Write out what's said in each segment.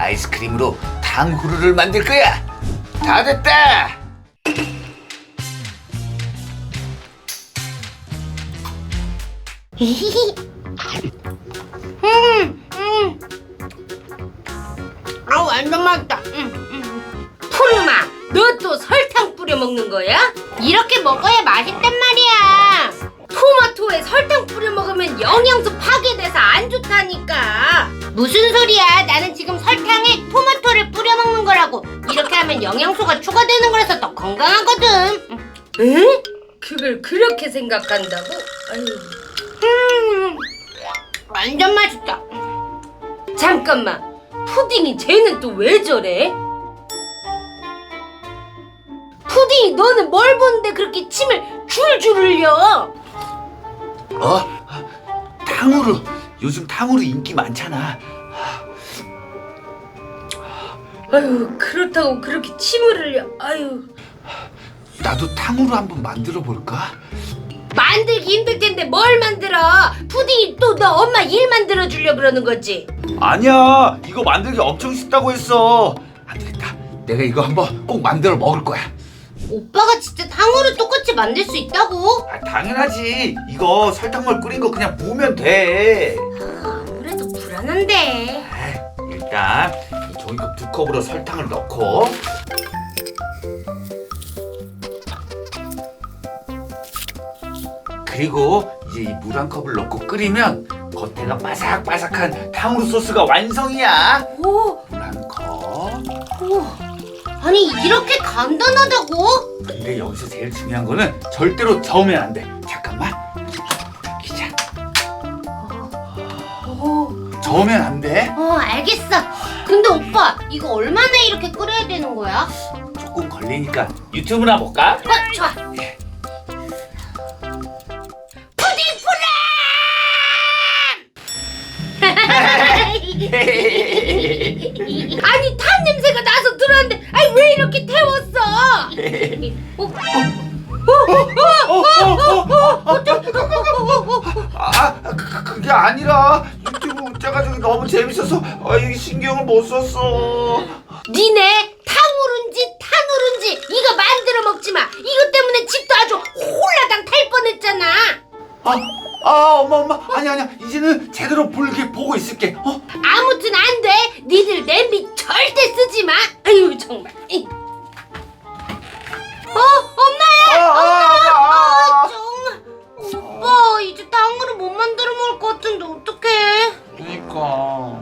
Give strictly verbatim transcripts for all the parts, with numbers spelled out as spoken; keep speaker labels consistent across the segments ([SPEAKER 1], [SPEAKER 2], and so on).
[SPEAKER 1] 아이스크림으로 탕후루를 만들 거야. 다 됐다.
[SPEAKER 2] 음, 음. 아, 완전 맛있다. 음, 음. 푸르마, 너 또 설탕 뿌려 먹는 거야? 이렇게 먹어야 맛있단 말이야. 토마토에 설탕 뿌려 먹으면 영양소 파괴돼서 안 좋다니까. 무슨 소리야? 나는 지금 설탕에 토마토를 뿌려 먹는 거라고. 이렇게 하면 영양소가 추가되는 거라서 더 건강하거든. 응? 그걸 그렇게 생각한다고? 아유. 음, 완전 맛있다. 잠깐만, 푸딩이 쟤는 또 왜 저래? 푸딩이 너는 뭘 보는데 그렇게 침을 줄줄 흘려?
[SPEAKER 1] 어? 탕후루. 요즘 탕후루 인기 많잖아.
[SPEAKER 2] 아유, 그렇다고 그렇게 침을 흘려. 아유.
[SPEAKER 1] 나도 탕후루 한번 만들어 볼까?
[SPEAKER 2] 만들기 힘들 텐데 뭘 만들어? 푸딩이 또 너 엄마 일 만들어 주려 그러는 거지?
[SPEAKER 1] 아니야, 이거 만들기 엄청 쉽다고 했어. 안 되겠다. 내가 이거 한번 꼭 만들어 먹을 거야.
[SPEAKER 2] 오빠가 진짜 탕후루 똑같이 만들 수 있다고?
[SPEAKER 1] 아, 당연하지. 이거 설탕물 끓인 거 그냥 부으면 돼.
[SPEAKER 2] 아무래도 불안한데.
[SPEAKER 1] 에이, 일단 이 종이컵 두 컵으로 설탕을 넣고, 그리고 이제 이 물 한 컵을 넣고 끓이면 겉에가 바삭바삭한 탕후루 소스가 완성이야.
[SPEAKER 2] 오,
[SPEAKER 1] 물 한 컵.
[SPEAKER 2] 오. 아니 이렇게 간단하다고?
[SPEAKER 1] 근데 여기서 제일 중요한 거는 절대로 저으면 안 돼. 잠깐만. 기자.
[SPEAKER 2] 오,
[SPEAKER 1] 저으면 안 돼.
[SPEAKER 2] 어 알겠어. 근데 오빠 이거 얼마나 이렇게 끓여야 되는 거야?
[SPEAKER 1] 조금 걸리니까 유튜브나 볼까?
[SPEAKER 2] 어, 좋아. 푸딩 프람! 아니 탄 냄새가 나서 들어왔는데 아니 왜 이렇게 태웠어? 어?
[SPEAKER 1] 아, 그, 그게 아니라 유튜브 웃자가지고 너무 재밌어서 아, 이게 신경을 못 썼어.
[SPEAKER 2] 니네 탕후루인지 탄후루인지 이거 만들어 먹지 마. 이것 때문에 집도 아주 홀라당 탈 뻔했잖아.
[SPEAKER 1] 아, 아, 엄마, 엄마, 아니, 아니야. 이제는 제대로 볼게 보고 있을게. 어?
[SPEAKER 2] 아무튼 안 돼. 니들 냄비 절대 쓰지 마. 아유 정말. 어 엄마야.
[SPEAKER 1] 아, 아, 아, 아.
[SPEAKER 2] 정말. 오빠 이제 탕후루 못 만들어 먹을 것 같은데 어떡해?
[SPEAKER 1] 그러니까.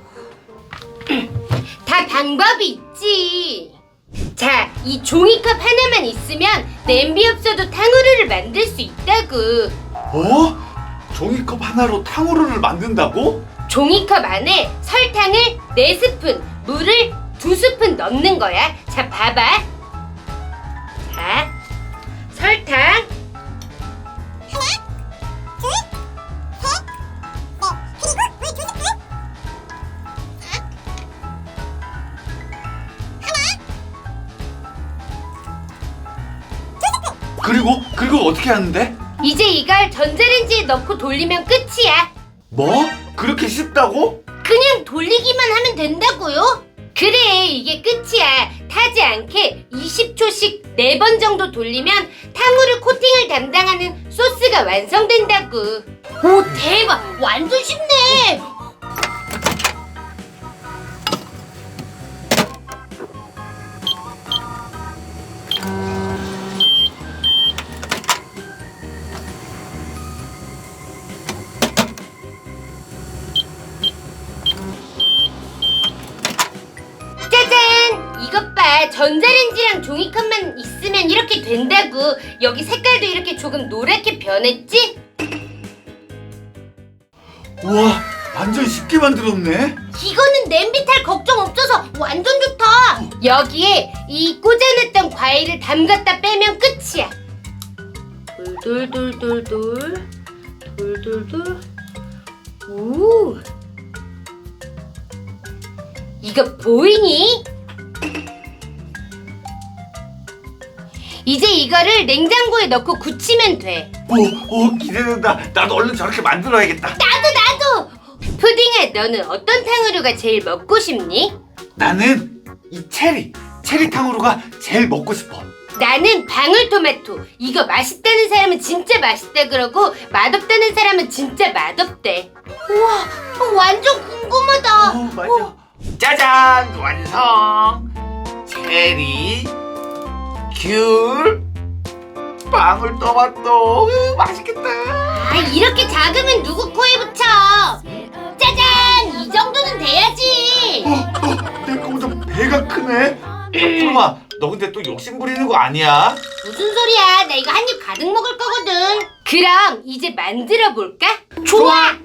[SPEAKER 2] 다 방법이 있지. 자, 이 종이컵 하나만 있으면 냄비 없어도 탕후루를 만들 수 있다고.
[SPEAKER 1] 어? 종이컵 하나로 탕후루를 만든다고?
[SPEAKER 2] 종이컵 안에 설탕을 네 스푼, 물을 두 스푼 넣는 거야. 자, 봐봐. 자, 설탕.
[SPEAKER 1] 그리고 그리고 어떻게 하는데?
[SPEAKER 2] 이제 이걸 전자레인지에 넣고 돌리면 끝이야.
[SPEAKER 1] 뭐? 그렇게 쉽다고?
[SPEAKER 2] 그냥 돌리기만 하면 된다고요? 그래, 이게 끝이야. 타지 않게 이십 초씩 네 번 정도 돌리면 탕후루 코팅을 담당하는 소스가 완성된다고. 오, 대박! 완전 쉽네! 짜잔! 이것 봐. 전자레인지랑 종이컵만 있으면 이렇게 된다고. 여기 색깔도 이렇게 조금 노랗게 변했지?
[SPEAKER 1] 우와, 완전 쉽게 만들었네.
[SPEAKER 2] 이거는 냄비 탈 걱정 없어서 완전 좋다. 여기에 이 꽂아놨던 과일을 담갔다 빼면 끝이야. 돌돌돌돌돌 돌돌돌. 오, 이거 보이니? 이제 이거를 냉장고에 넣고 굳히면 돼.
[SPEAKER 1] 오, 오, 기대된다. 나도 얼른 저렇게 만들어야겠다.
[SPEAKER 2] 나도 나도. 푸딩아, 너는 어떤 탕후루가 제일 먹고 싶니?
[SPEAKER 1] 나는 이 체리 체리 탕후루가 제일 먹고 싶어.
[SPEAKER 2] 나는 방울토마토. 이거 맛있다는 사람은 진짜 맛있다 그러고 맛없다는 사람은 진짜 맛없대. 우와, 어, 완전 궁금하다.
[SPEAKER 1] 어, 맞아. 짜잔, 완성. 체리, 귤, 방울토마토. 으, 맛있겠다.
[SPEAKER 2] 아, 이렇게 작으면 누구 코에 붙여? 짜잔! 이 정도는 돼야지.
[SPEAKER 1] 어, 어, 내 거보다 배가 크네. 푸르마, 너 근데 또 욕심 부리는 거 아니야?
[SPEAKER 2] 무슨 소리야? 나 이거 한 입 가득 먹을 거거든. 그럼 이제 만들어 볼까? 좋아.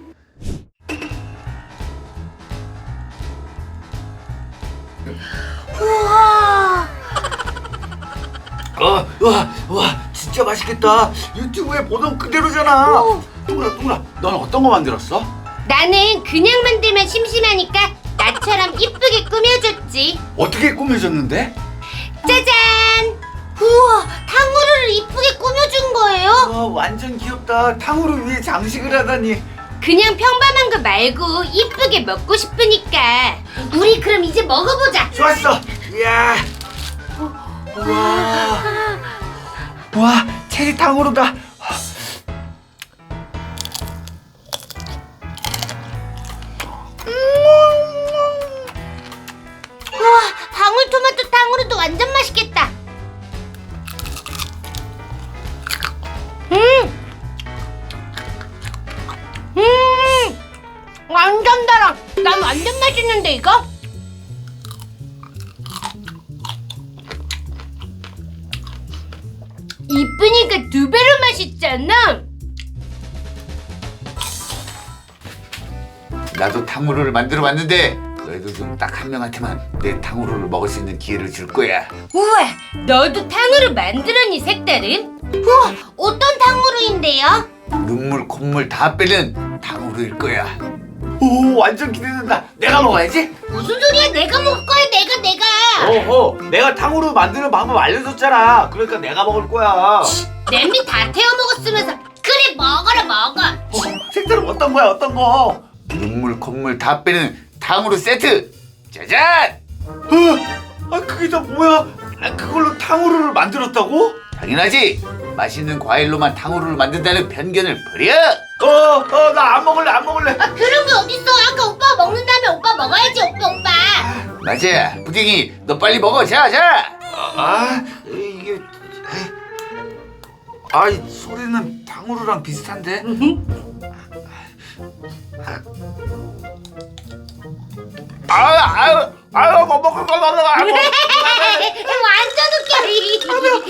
[SPEAKER 2] 우와.
[SPEAKER 1] 어, 와, 와, 진짜 맛있겠다. 유튜브에 보던 그대로잖아.
[SPEAKER 2] 오.
[SPEAKER 1] 둥그라, 둥그라, 넌 어떤 거 만들었어?
[SPEAKER 2] 나는 그냥 만들면 심심하니까 나처럼 이쁘게 꾸며줬지.
[SPEAKER 1] 어떻게 꾸며줬는데?
[SPEAKER 2] 짜잔! 우와, 탕후루를 이쁘게 꾸며준 거예요?
[SPEAKER 1] 와, 완전 귀엽다. 탕후루 위에 장식을 하다니.
[SPEAKER 2] 그냥 평범한 거 말고 이쁘게 먹고 싶으니까. 우리 그럼 이제 먹어보자.
[SPEAKER 1] 좋았어. 이야. 와. 와, 체리 탕후루다.
[SPEAKER 2] 우와, 방울토마토 탕후루도 완전 맛있겠다. 음, 음, 완전 달아. 난 완전 맛있는데 이거? 이쁘니까 두 배로 맛있잖아.
[SPEAKER 1] 나도 탕후루를 만들어 봤는데 너희도 좀 딱 한 명한테만 내 탕후루를 먹을 수 있는 기회를 줄 거야.
[SPEAKER 2] 우와, 너도 탕후루 만들었니 색다른? 우와, 어떤 탕후루인데요?
[SPEAKER 1] 눈물 콧물 다 빼는 탕후루일 거야. 오, 완전 기대된다. 내가 먹어야지.
[SPEAKER 2] 무슨 소리야? 내가 먹을 거야. 내가 내가.
[SPEAKER 1] 어허, 내가 탕후루 만드는 방법 알려줬잖아. 그러니까 내가 먹을 거야.
[SPEAKER 2] 냄비 다 태워 먹었으면서 그래 먹어라 먹어.
[SPEAKER 1] 어, 색깔은 어떤 거야? 어떤 거? 눈물 콧물 다 빼는 탕후루 세트. 짜잔! 어, 아 그게 다 뭐야? 아, 그걸로 탕후루를 만들었다고? 당연하지. 맛있는 과일로만 탕후루를 만든다는 편견을 버려. 어, 어, 나 안 먹을래, 안 먹을래.
[SPEAKER 2] 아, 그런 게 어딨어? 아까 오빠 먹는다면 오빠 먹어야지 오빠 오빠.
[SPEAKER 1] 맞아, 부딩이, 너 빨리 먹어. 자, 자. 아, 아 이게, 아, 이 소리는 탕후루랑 비슷한데. 아유, 아유, 아유, 뭐 먹을 거 먹어.
[SPEAKER 2] 완전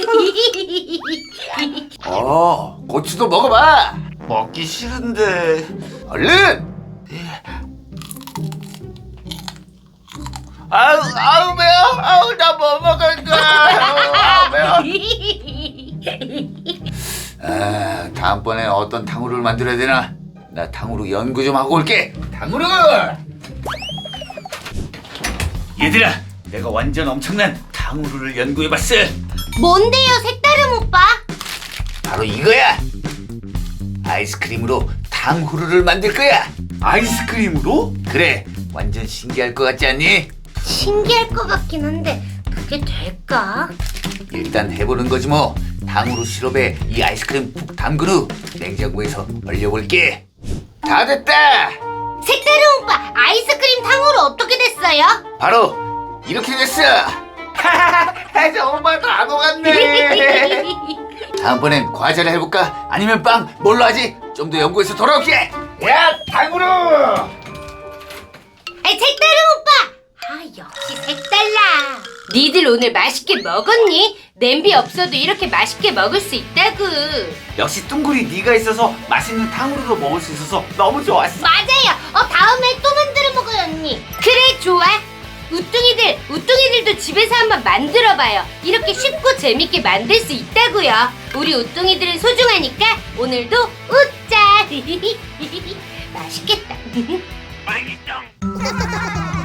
[SPEAKER 2] 웃겨.
[SPEAKER 1] 어, 고추도 먹어봐. 먹기 싫은데. 얼른. 아유, 아유 매워. 아유, 나 뭐 먹을 거야. 아유, 매워. 아, 다음번에 어떤 탕후루를 만들어야 되나? 나 탕후루 연구 좀 하고 올게. 탕후루. 얘들아, 내가 완전 엄청난 탕후루를 연구해봤어.
[SPEAKER 2] 뭔데요 색다른 오빠?
[SPEAKER 1] 바로 이거야. 아이스크림으로 탕후루를 만들 거야. 아이스크림으로? 그래, 완전 신기할 것 같지 않니?
[SPEAKER 2] 신기할 것 같긴 한데 그게 될까?
[SPEAKER 1] 일단 해보는 거지 뭐. 탕후루 시럽에 이 아이스크림 푹 담근 후 냉장고에서 얼려볼게. 다 됐다.
[SPEAKER 2] 색다른 오빠 아이스크림 탕후루 어떻게 됐어요?
[SPEAKER 1] 바로 이렇게 됐어. 하하하, 정말 다 녹았네. 다음번엔 과자를 해볼까? 아니면 빵? 뭘로 하지? 좀 더 연구해서 돌아올게. 야, 탕후루.
[SPEAKER 2] 아이 색다른 오빠! 아 역시 색달라. 니들 오늘 맛있게 먹었니? 냄비 없어도 이렇게 맛있게 먹을 수 있다구.
[SPEAKER 1] 역시 뚱구리 네가 있어서 맛있는 탕후루도 먹을 수 있어서 너무 좋았어.
[SPEAKER 2] 맞아요. 어 다음에 또 만들어 먹어요 언니. 그래 좋아. 우뚱이들 우뚱이들도 집에서 한번 만들어봐요. 이렇게 쉽고 재밌게 만들 수 있다고요. 우리 우뚱이들은 소중하니까 오늘도 웃자. 맛있겠다.
[SPEAKER 1] 맛있어.